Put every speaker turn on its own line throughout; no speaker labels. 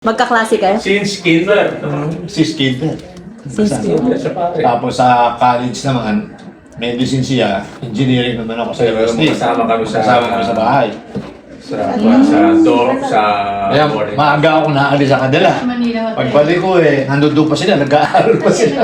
Magkaklase kayo?
Since kinder.
Si Skidder.
Since
Kinder siya pare.
Tapos sa college naman, medicine siya, engineering naman ako sa university.
Kasama kami
sa bahay.
Sa
Kaya
boarding.
maaga ako naalis sa kanila. Pagbalik ko nandun pa sila, nag-aaral pa sila.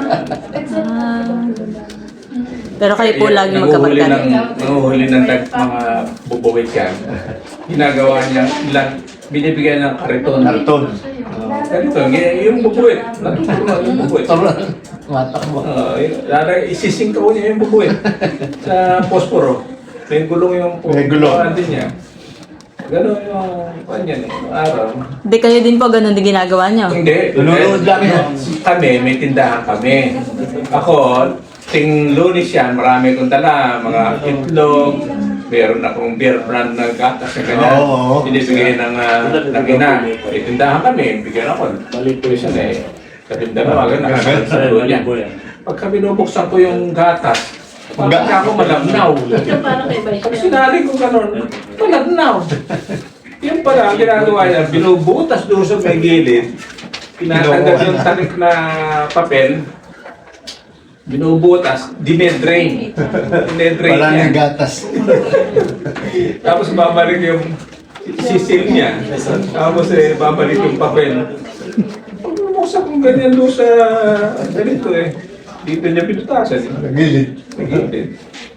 Pero kayo po lagi magkapagkat.
Nanguhuli ng mga bubawit yan. Ginagawa niya, binibigyan ng kariton.
Karton.
Kariton, yung bubuwit. Natutunan yung bubuwit.
Matakbo.
Isisingkaw niya yung bubuwit sa posporo. May gulong yung
May gulong.
din niya. Gano'n yung kanyan, yung araw.
Hindi kayo din po ganun din ginagawa nyo?
Hindi.
Nanonood lang yan.
Kami, may tindahan kami. Ako, ting Lunes yan, marami kong dala, mga itlog, meron akong beer brand na gatas na ganyan.
Oo.
Binibigay ng ina. May tindahan kami, bigyan ako. Balik ko siya sa tindahan, nakasalit sa dulo niya. Pagka binubuksan ko yung gatas, pagka ako malabnaw. Pag sinali ko gano'n, malabnaw. Yung pala, ang ginagawa niya, binubutas doon sa may gilid, pinatanggal yung tarik na papel, binubutas, dinedrain. Dinedrain
Wala
niya.
ng gatas.
Tapos babalik yung sisil niya. Tapos babalik yung papel. Pag bumuksan kong ganyan doon sa ganito dito niya pinutasan.
Gilid.
Nagigilid.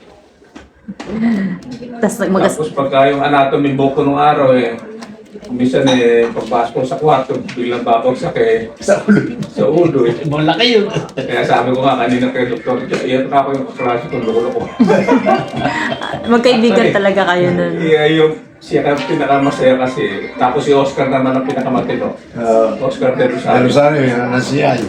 Tapos
Tapos pagka yung anatomy book ko nung araw minsan pagpasok ko sa kwarto, biglang babagsak
Sa ulo.
sa ulo
Malaki yun.
Kaya sabi ko nga kanina kay Dr. Iyan ako yung kaklase ko, lulo ko.
magkaibigan talaga kayo nun.
Siya ka pinakamasaya kasi. Tapos si Oscar naman ang pinakamatino. Oscar de Rosario.
Rosario, yan ang CI.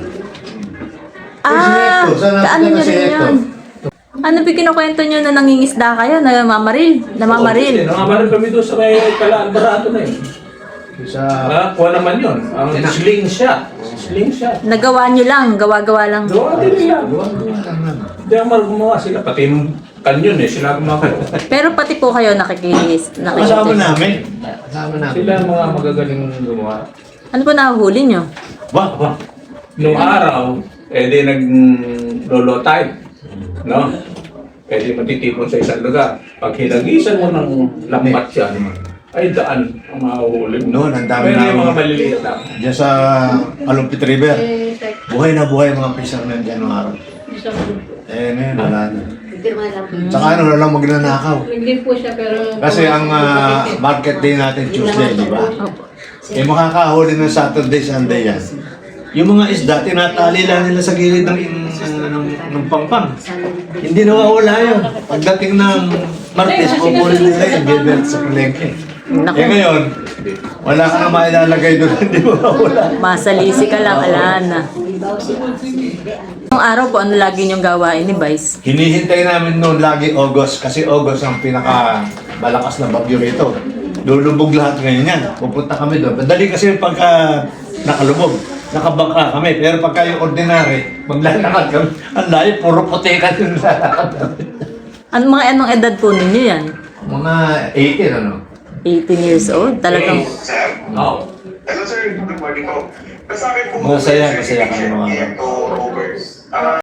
Ah! Ano nyo rin yun? Ano ba kinukwento nyo na nangingisda kayo? Namamaril? Namamaril?
Namamaril kami doon sa may Barato na
Sa...
Kuha naman yun. Ang slingshot. Slingshot.
Nagawa nyo lang? Gawa-gawa lang?
Gawa din nila. Hindi ako gumawa sila. Pati yung kanyon sila gumawa.
Pero pati po kayo
Kasama namin. Kasama namin.
Sila ang mga magagaling gumawa.
Ano po nahuhuli nyo?
Wah.
Nung araw, di nag-lolo time. No? Pwede matitipon sa isang lugar. Pag hinagisan mo ng lambat yan, ay daan ang mahuhuli mo.
Noon, ang dami
Pero yung
na-
mga maliliit lang.
Diyan sa Alumpit River. Buhay na buhay mga fishermen dyan ng araw. Ngayon, wala na. Tsaka na lang magnanakaw.
Hindi po siya pero...
Kasi ang market day natin Tuesday, di ba? Makakahuli ng Saturday, Sunday yan. Yung mga isda, tinatali lang nila sa gilid ng pampang. Hindi nawawala yun. Pagdating ng Martes, kukunin nila yung bibelt sa palengke.
Naku.
Ngayon, wala ka na mailalagay doon, hindi mawawala.
Masalisi ka lang, alana. Nung araw po, ano lagi nyong gawain ni Vice?
Hinihintay namin noon lagi August, kasi August ang pinaka malakas na bagyo rito. Lulubog lahat ngayon yan. Pupunta kami doon. Madali kasi pagka nakalubog. Nakabangka kami. Pero pagka yung ordinary, maglalakad kami. Ang layo, puro putekan yung lalakad namin.
Anong edad po ninyo yan?
Mga 18, ano?
18 years old? Talagang...
Oh.
Hello sir, good morning po. Sa akin po,
Masaya kami mga
Robert.